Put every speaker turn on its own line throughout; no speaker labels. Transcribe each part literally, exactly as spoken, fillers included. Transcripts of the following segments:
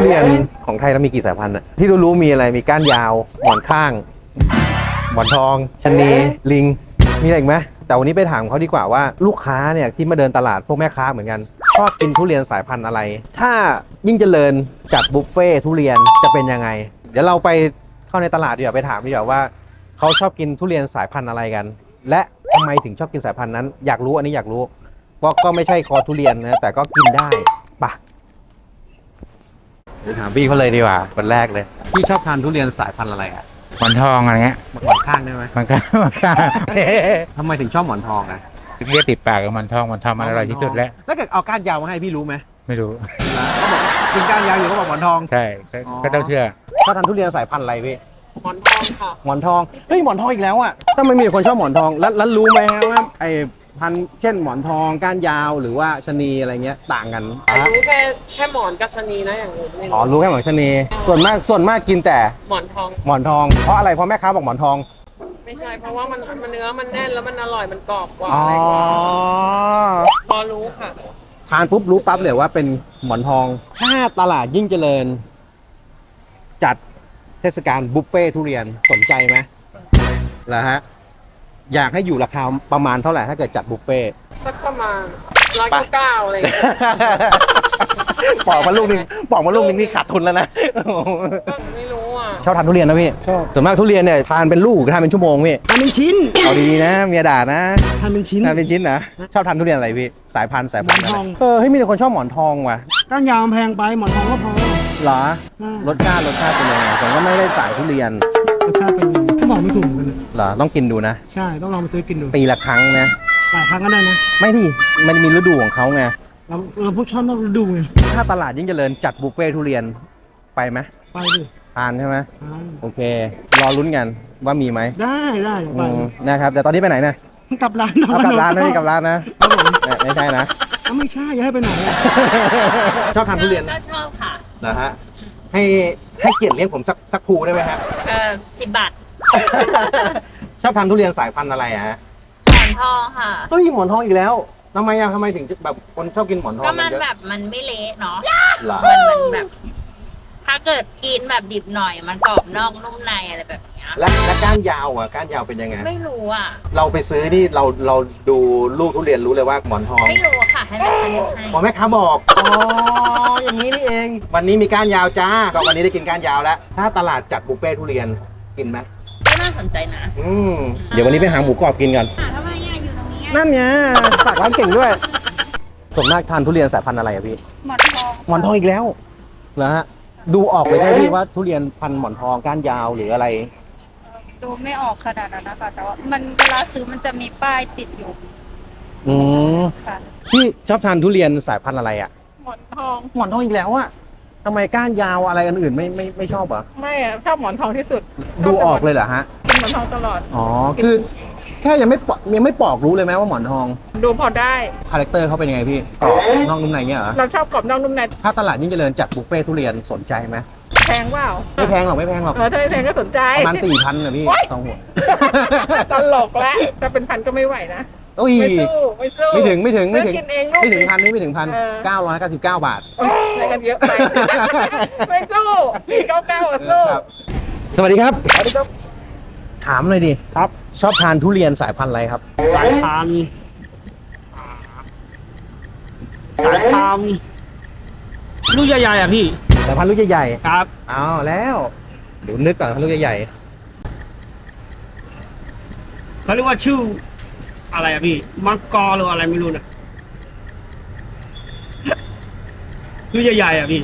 เรียนของไทยเรามีกี่สายพันธุ์อะที่รู้ๆมีอะไรมีก้านยาวหมอนข้างหมอนทองชะนีลิงมีอะไรอีกไหมแต่วันนี้ไปถามเขาดีกว่าว่าลูกค้าเนี่ยที่มาเดินตลาดพวกแม่ค้าเหมือนกันชอบกินทุเรียนสายพันธุ์อะไรถ้ายิ่งเจริญจัดบุฟเฟ่ทุเรียนจะเป็นยังไงเดี๋ยวเราไปเข้าในตลาดดีกว่าไปถามดีกว่าว่าเขาชอบกินทุเรียนสายพันธุ์อะไรกันและทำไมถึงชอบกินสายพันธุ์นั้นอยากรู้อันนี้อยากรู้เพราะก็ไม่ใช่คอทุเรียนนะแต่ก็กินได้ปะไปถามพี่เขาเลยดีกว่าคนแรกเลยพี่ชอบทานทุเรียนสายพันธุ์อะไรอ่ะ
หมอนทองอะไรเงี้ย
หมอนข้างได้ไหม
มันก็มันก็
ทำไมถึงชอบหมอนทองอ่ะ
เรียกติดปากกับหมอนทองหมอนทองมันอร่อยที่สุดแล้ว
แล้วเกิดเอาก้านยาวมาให้พี่รู้ไหม
ไม่รู้
เขาบอกกินก้านยาวอยู่เขาบอกหมอนทอง
ใช่ก็ต้องเชื่อ
ชอบทานทุเรียนสายพันธุ์อะไรพี่
หมอนทองค่ะ
หมอนทองเฮ้ยหมอนทองอีกแล้วอ่ะถ้าไม่มีคนชอบหมอนทองแล้วแล้วรู้ไหมฮะว่าไอ้พันเช่นหมอนทองก้านยาวหรือว่าชะนีอะไรเงี้ยต่างกัน
รู้แค่แค่หมอนกับชะนีนะอย่างอื่นไม่รู้
อ๋อรู้แค่หมอนชะนีส่วนมากส่วนมากกินแต่
หมอนทอง
หมอนทองเพราะอะไรเพราะแม่ค้าบอกหมอนทอง
ไม่ใช่เพราะว่ามันมันเนื้อมันแน่นแล้วมันอร่อยมันกรอบกว่า
อ๋อ
อะไรกว่าพอรู้ค่ะ
ทานปุ๊บรู้ปั๊บเลยว่าเป็นหมอนทองถ้าตลาดยิ่งเจริญจัดเทศกาลบุฟเฟ่ทุเรียนสนใจไหมเหรอฮะอยากให้อยู่ราคาประมาณเท่าไหร่ถ้าเกิดจัดบุฟเฟ่
สักประมาณร้อยเก้าเก้าอะไรอย่างเงี้ย
ปอกมาลูกนึงปอกมาลูกนึงนี่ขาดทุนแล้วนะ
ไม่รู้อ่ะ
ชอบทานทุเรียนนะพี่ชอบส่วนมากทุเรียนเนี่ยทานเป็นลูกทานเป็นชั่วโมงพี่
ทานเป็นชิ้น
เอาดีๆนะเมียด่านะ
ทานเป็นชิ้น
ทานเป็นชิ้นนะชอบทานทุเรียนอะไรพี่สายพันธุ์สายพันธุ์
หมอนทอง
เออเฮ้ยมีแต่คนชอบหมอนทองว่ะ
ก้านยาวแพงไปหมอนทองก็พอ
เหรอรสชาติรสชาติเป็นยังไงผมก็ไม่ได้สายทุเรียน
รสชาติเป็นก็บอกไม่ถูกเหมือนกัน
เหรอต้องกินดูนะ
ใช่ต้องลองไปซื้อกินดู
ปีละครั้งนะ
หลายครั้งก็ได้นะ
ไม่ที่มันมีฤดูของเขาไง
เราเราพวกชอบต้องฤดูไง
ถ้าตลาดยิ่งเจริญจัดบุฟเฟ่ทุเรียนไปไหม
ไปดิ
ทานใช่ไหมโอเครอลุ้นกันว่ามีไหม
ได้ได้ไป
นะครับแต่ตอนนี้ไปไหนนะ
กลับร้าน
เอากลับร้านนะพี่กลับร้านนะไม่ใช่นะ
ไม่ใช่อย่าให้ไปไหน
ชอบทานทุเรียน
ก็ชอบค่ะ
นะฮะให้ให้เกียรติเลี้ยงผมสักสักภูได้ไหมฮะ
เออสิบบาท
ชอบทานทุเรียนสายพันธุ์อะไรฮะ
หมอนทองค่ะ
เฮ้ยหมอนทองอีกแล้วทำไมอะทำไมถึงแบบคนชอบกินหมอนทอง
ก็มันแบบมันไม่เละเนาะ
มัน
มันแบบถ้าเกิดกินแบบดิบหน่อยมันกรอบนอกนุ่มในอะไรแบบนี้
แล้วแล้วก้านยาวอ่ะก้านยาวเป็นยังไง
ไม่รู้อ่ะ
เราไปซื้อนี่เราเราดูลูกทุเรียนรู้เลยว่าหมอนทอง
ไม่รู้ค่ะให้แม่ค้าให้
หมอแม่ค้าบอกอ๋ออย่างนี้นี่เองวันนี้มีก้านยาวจ้าก็วันนี้ได้กินก้านยาวแล้วถ้าตลาดจัดบุฟเฟ่ทุเรียนกินไหม
ก็น่าสนใจนะ
อืมเดี๋ยววันนี้ไปหาหมูกรอบกินกัน
ทำไมอ่ะอยู่ตรงนี้
นั่นไงฝากร้านเก่งด้วยส่วนมากทานทุเรียนสายพันธุ์อะไรอะพี่
หมอนทอง
หมอนทองอีกแล้วนะฮะดูออกเลยใช่ไหมพี่ว่าทุเรียนพันธุ์หมอนทองก้านยาวหรืออะไร
ดูไม่ออกขนาดนั้นนะคะแต่ว่ามันเวลาซื้อมันจะมีป้ายติดอยู่
อืมพี่ชอบทานทุเรียนสายพันธุ์อะไรอ่ะ
หมอนทอง
หมอนทองอีกแล้วอ่ะทำไมก้านยาวอะไรอันอื่นไม่ไม่ไม่ชอบเหรอ
ไม่อะชอบหมอนทองที่สุด
ดูออกเลยเหรอฮะ
กินหมอนทองตลอด
อ๋อคือแค่ยังไม่ยังไม่ปอกรู้เลยไหมว่าหมอนทอง
ดูพอได้
คาแรคเตอร์เขาเป็นยังไงพี่กรอบนอกนุ่มในเงี้ยเหรอ
เราชอบกรอบนอกนุ่มใน
ถ้าตลาดยิ่งเจริญจัดบุฟเฟ่ทุเรียนสนใจไหม
แพงเปล่า
ไม่แพงหรอกไม่แพงหรอก
เออถ้าไม่แพงก็สนใจ
ประมาณสี่พันนะพี่สองหัว
ตลกแล้วถ้าเป็นพันก็ไม่ไหวนะ
ไม่
สู้ไม่สู้
ไม่ถึงไม่ถึงไม่ถึง
ไม่
ถึงพันนี่ไม่ถึงพันเก้าร้อยเก้าสิบเก้าบาท
อะไรกันเยอะไปไม่สู้สี่เก้าเก้าสู้
สวัสดีครับสวัสดีครับถามเลยดิครับชอบทานทุเรียนสายพันธุ์อะไรครับ
สายพันธุ์สายพันธุ์ลูกใหญ่ๆอ่ะพี่
สายพันธุ์ลูกใหญ่
ๆครับ
เอาแล้วเดี๋ยวนึกก่อนลูกใหญ่
ๆเขาเรียกว่าชื่ออะไรอ่ะพี่มังกรหรืออะไรไม่รู้นะลูกใหญ่ๆอ่ะพี่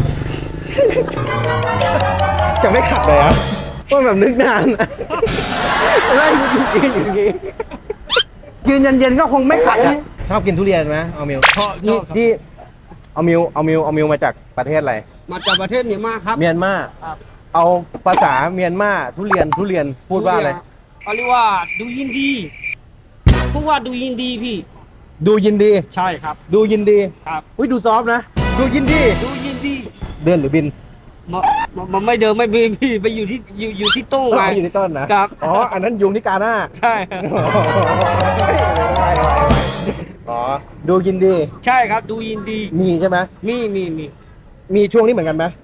จะไม่ขัดเลยอ่ะว่าแบบนึกนานไม่ยืนอย่างนี้ยืนเย็นๆก็คงไม่ขัดอ่ะชอบกินทุเรียนไหมเอามิว
ชอบ
ที่ที่เอามิวเอามิวเอามิวมาจากประเทศอะไร
มาจากประเทศเมียนมาครับ
เมียนมาเอาภาษาเมียนมาทุเรียนทุเรียนพูดว่าอะไร
เขาเรียกว่าดูยินดีพูดว่าดูยินดีพี่
ดูยินดี
ใช่ครับ
ดูยินดี
ครับ
อุ้ยดูซอฟนะดูยินดี
ดูยินดี
เดินหรือบิน
มันมันไม่เดินไม่บินพี่ไปอยู่ที่อยู่อยู่ที่ต้นไง
อยู่ที่ต้นนะครับอ๋ออันนั้นยุงที่กาหน้า
ใช่
อ๋อดูยินดี
ใช่ครับดูยินดี
มีใช่ไหม
มีมีมี
มีช่วงนี้เหมือนกันไหม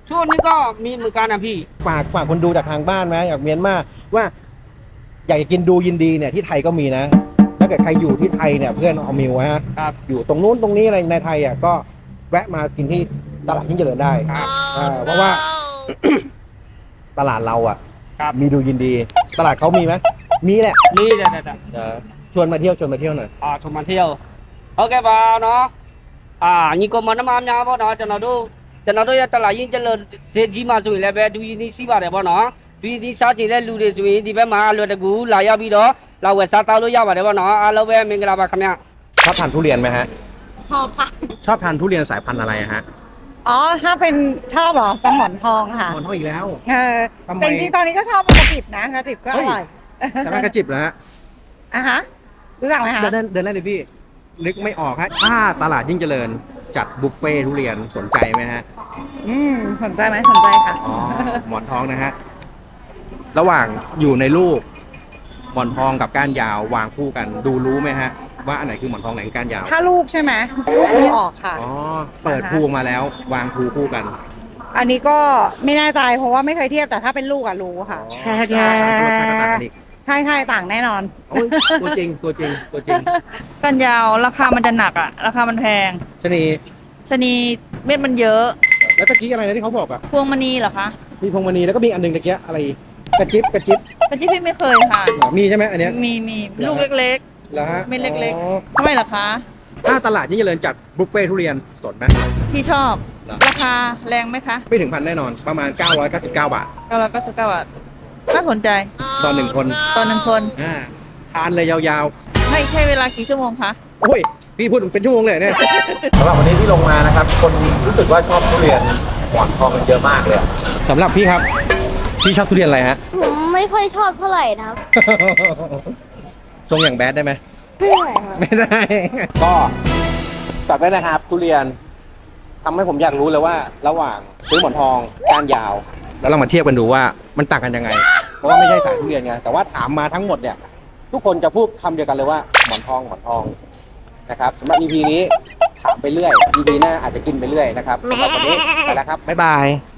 ช่วงนี้ก็มีเหมือนกันนะพี่
ฝากฝากคนดูจากทางบ้านไหมอยากเมียนมาว่า อยากจะกินดูยินดีเนี่ยที่ไทยก็มีนะ ถ้าเกิดใครอยู่ที่ไทยเนี่ยเพื่อนเอามิวฮะ
ครับ
อยู่ตรงนู้นตรงนี้อะไรในไทยอ่ะก็แวะมากินที่ตลาดยิ่งเจริญได้
ครับ
อ่าเพราะว่า ตลาดเราอ่ะ
ครับ
มีดูยินดี ตลาดเขามีไหมมีแหละ
นี่เดี๋ยวเดี๋ยวเดี๋ยว
เออชวนมาเที่ยวชวนมาเที่ยวหน่อย
อ่าชมมาเที่ยวโอเคป่ะเนาะอ่าညီကောင်မနှမများပေါ့နော်ကျွန်တော်တို့ကျွန်တော်တို့ရဲ့တလာရင်ကျလဈေးကြီးမှဆိုရင်လည်းပဲဒူရီနီးစီးပါတယ်ပေါ့နော်ဒူရီနီးစားကြည့်တဲ့လူတွေဆိုရင်ဒီဘက်မှာအလွယ်တကူလာရောက်ပြီးတော့လာဝယ်စားတောက်လို့ရပါတယ်ပေါ့နော်အားလုံးပဲမင်္ဂလာပါခင်ဗျ
ชอบทานทุเรียนไหมฮะ
ชอบค่ะ
ชอบทานทุเรียนสายพันธุ์อะไรอะฮะ
อ๋อ ถ้าเป็นชอบเหรอจะหมอนทองค่ะ
หมอนทองอีกแล้ว
เออ
ทำไม
แต่จริงๆตอนนี้ก็ชอบกระจิบนะกระจิบก็อร่อย
แต่มันกระจิบแล้วฮะ
อ่ะฮะ รู้จักไหมคะ
เดินเดินได้เลยพี่นึกไม่ออกฮะถ้าตลาดยิ่งเจริญจัดบุฟเฟ่ทุเรียนสนใจไหมฮะ
อืม สนใจไหมสนใจค่ะ
อ๋อ หมอนทองนะฮะ ระหว่างอยู่ในลูก หมอนทองกับก้านยาววางคู่กัน ดูรู้ไหมฮะ ว่าอันไหนคือหมอนทองไหนคือก้านยาว
ถ้าลูกใช่ไหมลูกดูออกค่ะ
อ๋อ เปิดภูออกมาแล้ว วางภูคู่กัน
อันนี้ก็ไม่แน่ใจเพราะว่าไม่เคยเทียบแต่ถ้าเป็นลูกอะรู้ค่ะ
อ๋อรสชาติก็ต่างกันอีก
ใช่ใช่ต่างแน่นอน
โอ้ยตัวจริงตัวจริงตัวจริง
กันยาวราคามันจะหนักอ่ะ ราคามันแพง
ชะนี
ชะนีเม็ดมันเยอะ
แล้วตะกี้อะไรนะที่เขาบอกอะ
พวงมณีเหรอคะ
มีพวงมณีแล้วก็มีอันหนึงตะกี้อะไร กระจิบกระจิบ
กระจิบพี่ไม่เคยค่ะ
เหรอมีใช่ไหมอันเนี้ย
มีมีลูกเล็ก
แล้วฮะ
เม็ดเล็กๆ
อ๋อ
ๆทำไมล่ะคะ
ถ้าตลาดยิ่งเจริญจัดบุฟเฟ่ทุเรียนสดไหม
ที่ชอบ
เหรอ
ราคาแรงไหมคะ
ไม่ถึงพันแน่นอน ประมาณ เก้าร้อยเก้าสิบเก้า บาท
เก้าร้อยเก้าสิบเก้าบาทน่าสนใจ
ต่อหนึ่งคน
ตอนหนึ่งคน
อ่าทานเลยยาว
ให้ใช้เวลากี่ชั่วโมงคะ
ๆ โอ้ย พี่พูดเป็นชั่วโมงเลยเนี่ย สำหรับวันนี้ที่ลงมานะครับ คนรู้สึกว่าชอบทุเรียนหมอนทองกันเยอะมากเลยสำหรับพี่ครับ พี่ชอบทุเรียนอะไรฮะ
ผมไม่ค่อยชอบเท่าไหร่นะครับ
ทรงอย่างแบดได้ไหม
ไม่ไหวครับ
ไม่ได้ ก็ฝากไว้นะครับทุเรียนทำให้ผมอยากรู้เลยว่า ระหว่างซื้อหมอนทองก้านยาว แล้วเรามาเทียบกันดูว่ามันต่างกันยังไง เพราะว่าไม่ใช่สายทุเรียนไงแต่ว่าถามมาทั้งหมดเนี่ย ทุกคนจะพูดคำเดียวกันเลยว่าหมอนทองหมอนทองนะครับสำหรับ อี พี นี้ถามไปเรื่อย อี พี หน้าอาจจะกินไปเรื่อยนะครับสำหรับวันนี้ไปแล้วครับบ๊ายบาย